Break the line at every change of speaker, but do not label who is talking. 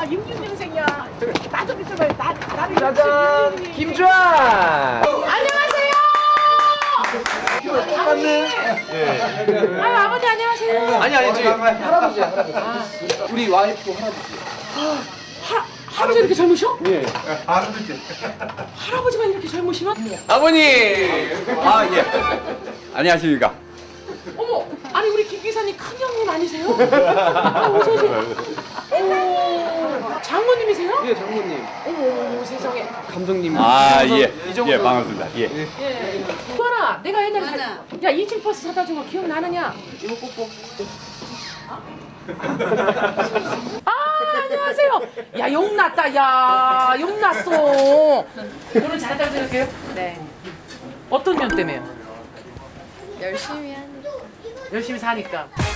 야, 육육년생이야. 나도 믿어봐요. 나를
짜잔! 김주환!
안녕하세요.
똑같네.
아유, 아버지 안녕하세요.
아니 저기 할아버지야 할아버지. 우리 와이프 할아버지.
할아버지 이렇게 젊으셔?
예.
할아버지가 이렇게 젊으시면?
아버님.
아 예. 안녕하십니까.
어머, 아니 우리 김 기사님 큰 형님 아니세요? 어서 오세요. 오, 장모님이세요?
예 장모님.
어머, 세상에.
감독님.
아 예.
이정도.
예 반갑습니다. 예.
예. 수아나, 내가 옛날에 야 2층 버스 사다 준 거 기억나느냐?
이거 뽀뽀.
아, 안녕하세요. 야, 용났다. 야, 용났어. 오늘 잘했다고 생각해요?
네.
어떤 면 때문에요?
열심히 하는.
열심히 사니까.